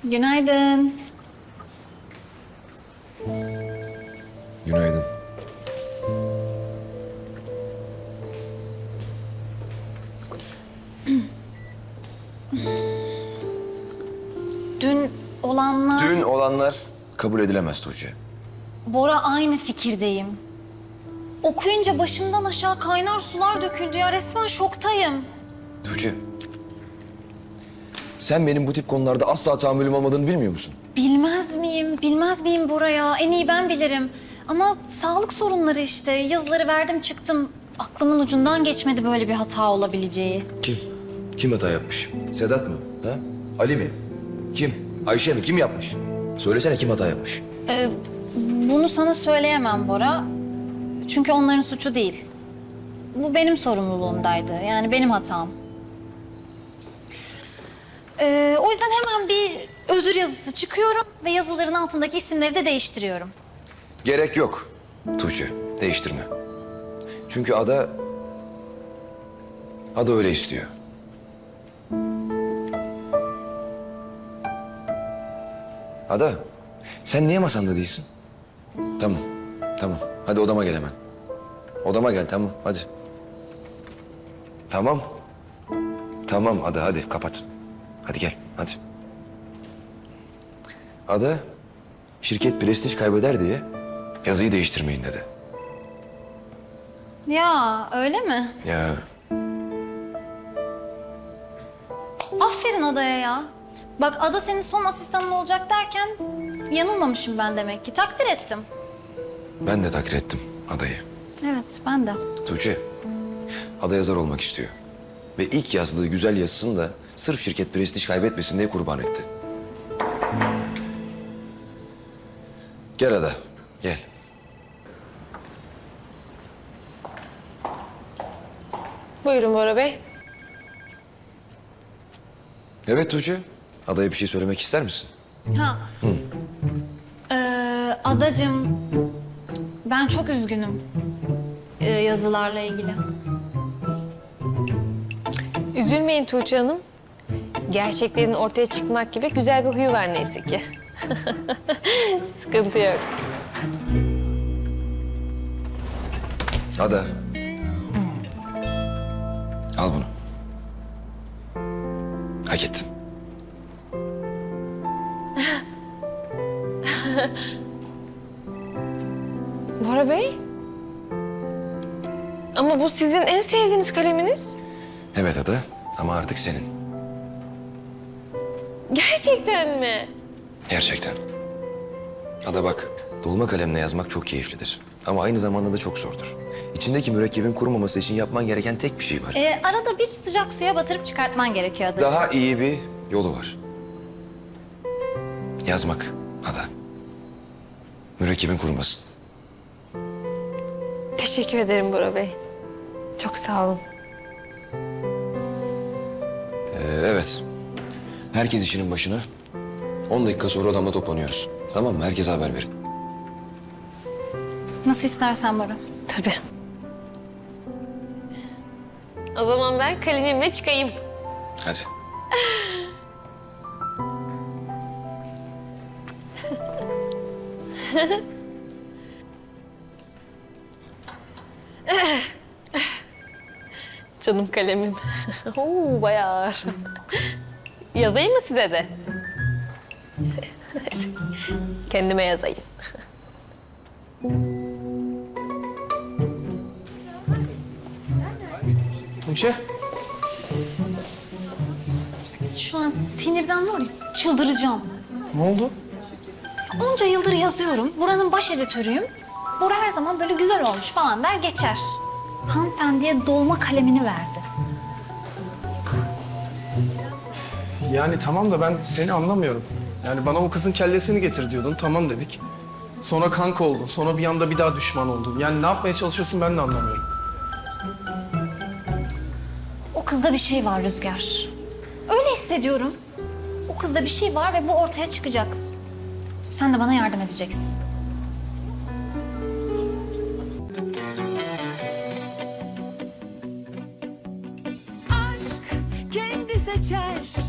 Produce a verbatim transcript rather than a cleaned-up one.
Günaydın. Günaydın. Dün olanlar... Dün olanlar kabul edilemez Tuğçe. Bora, aynı fikirdeyim. Okuyunca başımdan aşağı kaynar sular döküldü ya. Resmen şoktayım. Tuğçe. Sen benim bu tip konularda asla tahammülüm olmadığını bilmiyor musun? Bilmez miyim? Bilmez miyim Bora ya? En iyi ben bilirim. Ama sağlık sorunları işte. Yazıları verdim çıktım. Aklımın ucundan geçmedi böyle bir hata olabileceği. Kim? Kim hata yapmış? Sedat mı? Ha? Ali mi? Kim? Ayşe mi? Kim yapmış? Söylesene kim hata yapmış? Ee, bunu sana söyleyemem Bora. Çünkü onların suçu değil. Bu benim sorumluluğumdaydı. Yani benim hatam. Ee, o yüzden hemen bir özür yazısı çıkıyorum ve yazıların altındaki isimleri de değiştiriyorum. Gerek yok Tuğçe. Değiştirme. Çünkü Ada... Ada öyle istiyor. Ada, sen niye masanda değilsin? Tamam, tamam. Hadi odama gel hemen. Odama gel, tamam. Hadi. Tamam. Tamam Ada, hadi kapat. Hadi gel, hadi. Ada, şirket prestij kaybeder diye yazıyı değiştirmeyin dedi. Ya öyle mi? Ya Aferin Ada'ya ya. Bak Ada senin son asistanın olacak derken yanılmamışım ben demek ki. Takdir ettim. ben de takdir ettim Ada'yı. Evet, ben de. Tuğçe, Ada yazar olmak istiyor. Ve ilk yazdığı güzel yazısını da sırf şirket prestij kaybetmesin diye kurban etti. Gel Ada, gel. Buyurun Bora Bey. Evet Tuğçe, Ada'ya bir şey söylemek ister misin? Ha. Ee, Adacığım, ben çok üzgünüm ee, yazılarla ilgili. Üzülmeyin Tuğçe Hanım. Gerçeklerin ortaya çıkmak gibi güzel bir huyu var neyse ki. Sıkıntı yok. Ada. Al bunu. Hak ettin. Bora Bey? Ama bu sizin en sevdiğiniz kaleminiz. Evet Ada ama artık senin. Gerçekten mi? Gerçekten. Ada bak, dolma kalemle yazmak çok keyiflidir. Ama aynı zamanda da çok zordur. İçindeki mürekkebin kurumaması için yapman gereken tek bir şey var. Ee, arada bir sıcak suya batırıp çıkartman gerekiyor Adacığım. Daha iyi bir yolu var. Yazmak Ada. Mürekkebin kurumasın. Teşekkür ederim Bora Bey. Çok sağ olun. Ee, evet. Herkes işinin başına. On dakika sonra odamda toplanıyoruz. Tamam mı? Herkese haber verin. Nasıl istersen Bora. Tabii. O zaman ben kalemimle çıkayım. Hadi. Canım kalemim. Oo, bayağı ağır. Yazayım mı size de? Kendime yazayım. Tuğçe. Şu an sinirden var ya, çıldıracağım. Ne oldu? Onca yıldır yazıyorum. Buranın baş editörüyüm. Bora her zaman böyle güzel olmuş falan der geçer. Hanımefendiye dolma kalemini verdi. Yani tamam da ben seni anlamıyorum. Yani bana o kızın kellesini getir diyordun. Tamam dedik. Sonra kanka oldun. Sonra bir anda bir daha düşman oldun. Yani ne yapmaya çalışıyorsun ben de anlamıyorum. O kızda bir şey var Rüzgar. Öyle hissediyorum. O kızda bir şey var ve bu ortaya çıkacak. Sen de bana yardım edeceksin. Aşk kendi seçer